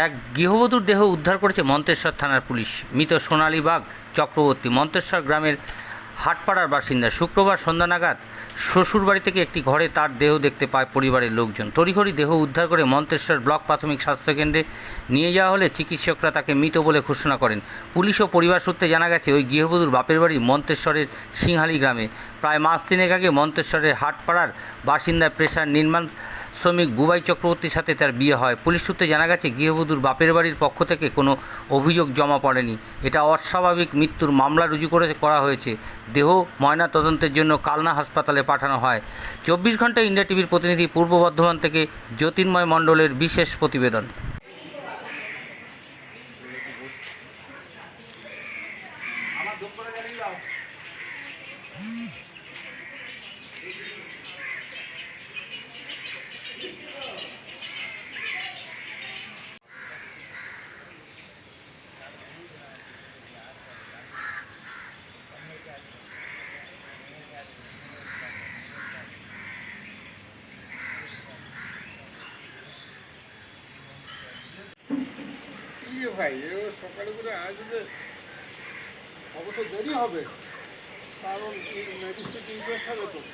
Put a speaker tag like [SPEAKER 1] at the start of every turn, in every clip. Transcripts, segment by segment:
[SPEAKER 1] এক গৃহবধূর দেহ উদ্ধার করেছে মন্তেশ্বর থানার পুলিশ। মৃত সোনালী বাগ চক্রবর্তী মন্তেশ্বর গ্রামের হাটপাড়ার বাসিন্দা। শুক্রবার সন্ধ্যা নাগাদ শ্বশুরবাড়ি থেকে একটি ঘরে তার দেহ দেখতে পায় পরিবারের লোকজন। তড়িঘড়ি দেহ উদ্ধার করে মন্তেশ্বর ব্লক প্রাথমিক স্বাস্থ্যকেন্দ্রে নিয়ে যাওয়া হলে চিকিৎসকরা তাকে মৃত বলে ঘোষণা করেন। পুলিশ ও পরিবার সূত্রে জানা গেছে, ওই গৃহবধূর বাপের বাড়ি মন্তেশ্বরের সিংহালি গ্রামে। প্রায় মাস তিনেক আগে মন্তেশ্বরের হাটপাড়ার বাসিন্দা পেশার নির্মাণ শ্রমিক বুবাই চক্রবর্তীর সাথে তার বিয়ে হয়। পুলিশ সূত্রে জানা গেছে, গৃহবধূর বাপের বাড়ির পক্ষ থেকে কোনো অভিযোগ জমা পড়েনি। এটা অস্বাভাবিক মৃত্যুর মামলা রুজু করা হয়েছে। দেহ ময়না তদন্তের জন্য কালনা হাসপাতালে পাঠানো হয়। 24 ঘন্টা ইন্ডিয়া টিভির প্রতিনিধি পূর্ব বর্ধমান থেকে জ্যোতির্ময় মণ্ডলের বিশেষ প্রতিবেদন।
[SPEAKER 2] ভাই সকালে করে আসবে, অবশ্য দেরি হবে, কারণ ম্যাজিস্ট্রেট ইনকোয়েস্ট হবে তো।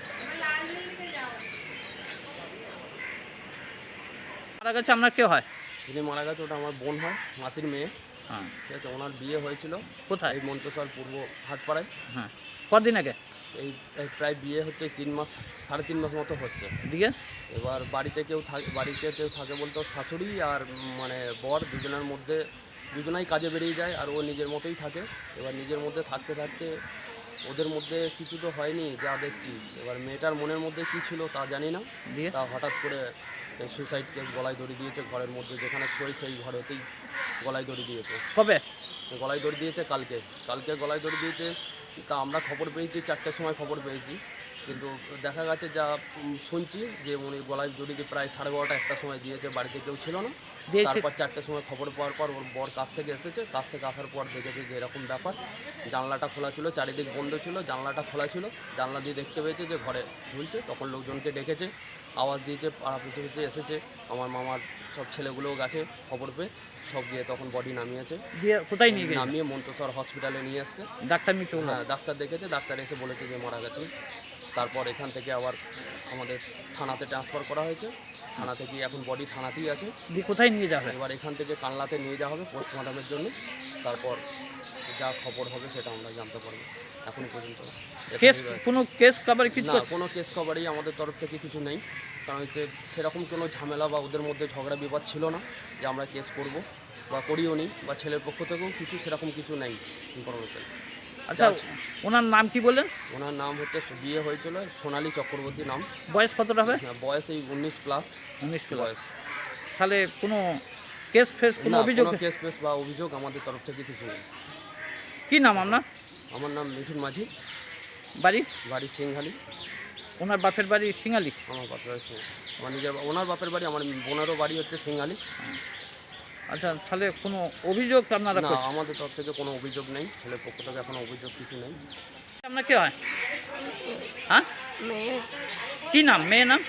[SPEAKER 3] মারা গেছে আপনার কেউ হয়?
[SPEAKER 4] যিনি মারা গেছে ওটা আমার বোন হয়, মাসির মেয়ে।
[SPEAKER 3] হ্যাঁ,
[SPEAKER 4] ঠিক আছে। ওনার বিয়ে হয়েছিল
[SPEAKER 3] কোথায়?
[SPEAKER 4] এই মন্তেশ্বর পূর্ব হাটপাড়ায়।
[SPEAKER 3] হ্যাঁ, কদিন আগে?
[SPEAKER 4] এই প্রায় বিয়ে হচ্ছে 3 মাস, 3.5 মাস মতো হচ্ছে।
[SPEAKER 3] দিকে
[SPEAKER 4] এবার বাড়িতে কেউ থাকে বলতে ওর শাশুড়ি আর মানে বর দুজনের মধ্যে দুজনাই কাজে বেরিয়ে যায়, আর ও নিজের মতোই থাকে। এবার নিজের মধ্যে থাকতে থাকতে ওদের মধ্যে কিছু তো হয়নি যা দেখছি। এবার মেয়েটার মনের মধ্যে কী ছিল তা জানি না,
[SPEAKER 3] দিয়ে
[SPEAKER 4] তা হঠাৎ করে সুসাইড কেস গলায় দড়ি দিয়েছে ঘরের মধ্যে, যেখানে শোয় সেই ঘরেতেই গলায় দড়ি দিয়েছে।
[SPEAKER 3] কবে
[SPEAKER 4] গলায় দড়ি দিয়েছে? কালকে গলায় দড়ি দিয়েছে। তা আমরা খবর পেয়েছি 4টার সময় খবর পেয়েছি, কিন্তু দেখা গেছে যা শুনছি যে উনি গলায় দড়ি দিয়ে প্রায় 12:30 1টার সময় দিয়েছে। বাড়িতে কেউ ছিল না। তারপর 4টার সময় খবর পাওয়ার পর ওর বর কাছ থেকে এসেছে, কাছ থেকে আসার পর দেখেছে যে এরকম ব্যাপার। জানলাটা খোলা ছিল, চারিদিক বন্ধ ছিল, জানলাটা খোলা ছিল। জানলা দিয়ে দেখতে পেয়েছে যে ঘরে ঝুলছে। তখন লোকজনকে ডেকেছে, আওয়াজ দিয়েছে, পাড়া পিছিয়ে পিছিয়ে এসেছে। আমার মামার সব ছেলেগুলোও গেছে খবর পেয়ে, সব গিয়ে তখন বডি নামিয়েছে।
[SPEAKER 3] দিয়ে কোথায় নিয়ে গেছে?
[SPEAKER 4] নামিয়ে মন্তেশ্বর হসপিটালে নিয়ে এসছে।
[SPEAKER 3] ডাক্তার মিটু?
[SPEAKER 4] হ্যাঁ, ডাক্তার দেখেছে, ডাক্তার এসে বলেছে যে মারা গেছে। তারপর এখান থেকে আবার আমাদের থানাতে ট্রান্সফার করা হয়েছে। থানা থেকে এখন বডি থানাতেই আছে।
[SPEAKER 3] দিয়ে কোথায় নিয়ে যাবে?
[SPEAKER 4] এবার এখান থেকে কালনাতে নিয়ে যাওয়া হবে পোস্টমর্টমের জন্য। তারপর যা খবর হবে সেটা আমরা জানতে পারবো। এখন পর্যন্ত
[SPEAKER 3] কেস কোনো কেস কভার কিছু?
[SPEAKER 4] না, কোনো কেস কভারই আমাদের তরফ থেকে কিছু নেই। কারণ হচ্ছে সেরকম কোনো ঝামেলা বা ওদের মধ্যে ঝগড়া বিবাদ ছিল না যে আমরা কেস করব বা করিও নি, বা ছেলের পক্ষ থেকেও কিছু সেরকম কিছু নেই ইনফরমেশন।
[SPEAKER 3] আচ্ছা, ওনার নাম কি বললেন?
[SPEAKER 4] ওনার নাম হচ্ছে, বিয়ে হয়েছিল সোনালী চক্রবর্তী নাম।
[SPEAKER 3] বয়স কতটা হবে?
[SPEAKER 4] বয়স এই 19+।
[SPEAKER 3] 19
[SPEAKER 4] বয়স।
[SPEAKER 3] তাহলে কোনো কেস ফেস কোনো অভিযোগ?
[SPEAKER 4] কেস ফেস বা অভিযোগ আমাদের তরফ থেকে কিছু নেই।
[SPEAKER 3] কি নাম আপনার?
[SPEAKER 4] আমার নাম মিঠুন মাঝি।
[SPEAKER 3] বাড়ি
[SPEAKER 4] সিংহালি।
[SPEAKER 3] ওনার বাপের বাড়ি সিংহালি?
[SPEAKER 4] আমার বাপের বাড়ি আমার নিজের ওনার বাপের বাড়ি, আমার বোনেরও বাড়ি হচ্ছে সিংহালি।
[SPEAKER 3] আচ্ছা, তাহলে কোনো অভিযোগ আপনারা?
[SPEAKER 4] না, আমাদের তরফ থেকে কোনো অভিযোগ নেই, ছেলের পক্ষ থেকে এখনো অভিযোগ কিছু নেই।
[SPEAKER 3] আপনার কে হয়? হ্যাঁ,
[SPEAKER 5] মেয়ে।
[SPEAKER 3] কি নাম মেয়ে নাম?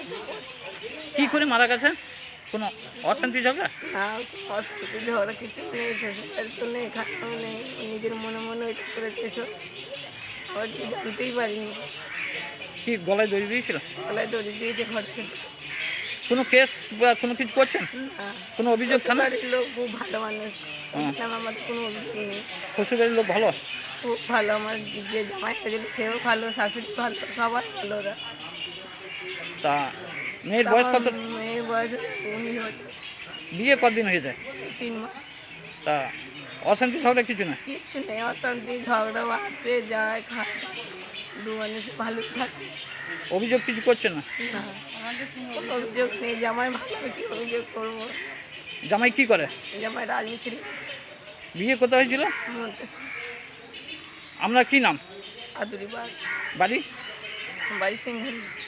[SPEAKER 3] কি করে মারা গেছে? কোনো অশান্তি ঝগড়া?
[SPEAKER 5] না, অসুবিধা ঝগড়া কিছু নেই, শ্বশুরবাড়ি তো নেই, খাটাও নেই, নিজের মনে মনে ওইটা করেছে এসব। আবার কি জানতেই পারিনি।
[SPEAKER 3] কি গলায় দড়ি দিয়েছিল?
[SPEAKER 5] গলায় দড়ি দিয়েছে ঘর থেকে।
[SPEAKER 3] কোনো কেস বা কোনো কিছু করছেন? কোনো অভিযোগ থানা?
[SPEAKER 5] বাড়ির লোক খুব ভালো মানুষ, আমাদের কোনো অভিযোগ নেই।
[SPEAKER 3] শ্বশুরবাড়ির লোক ভালো?
[SPEAKER 5] খুব ভালো। আমার যে জামাই হয়েছিল সেও ভালো, শাশুড়ি ভালো, সবাই ভালো ওরা।
[SPEAKER 3] তা মেয়ের বয়স কত?
[SPEAKER 5] মেয়ের বয়স 19 বছর।
[SPEAKER 3] বিয়ে কতদিন হয়ে যায়?
[SPEAKER 5] 3 মাস।
[SPEAKER 3] তা অশান্তি ঝগড়া কিছু না?
[SPEAKER 5] কিচ্ছু নেই, অশান্তি ঝগড়াও আসে যায়, খায়, দু মানুষ ভালো থাকে।
[SPEAKER 3] অভিযোগ কিছু করছে না?
[SPEAKER 5] না, কোনো অভিযোগ নেই। জামাই ভালো, কি অভিযোগ করবো?
[SPEAKER 3] জামাই কি করে?
[SPEAKER 5] জামাই রাজমিস্ত্রি।
[SPEAKER 3] বিয়ে কোথায় হয়েছিল? আপনার কি নাম?
[SPEAKER 5] আদুরি বাড়ি
[SPEAKER 3] বাড়ি?
[SPEAKER 5] বাড়ি সিংহালি।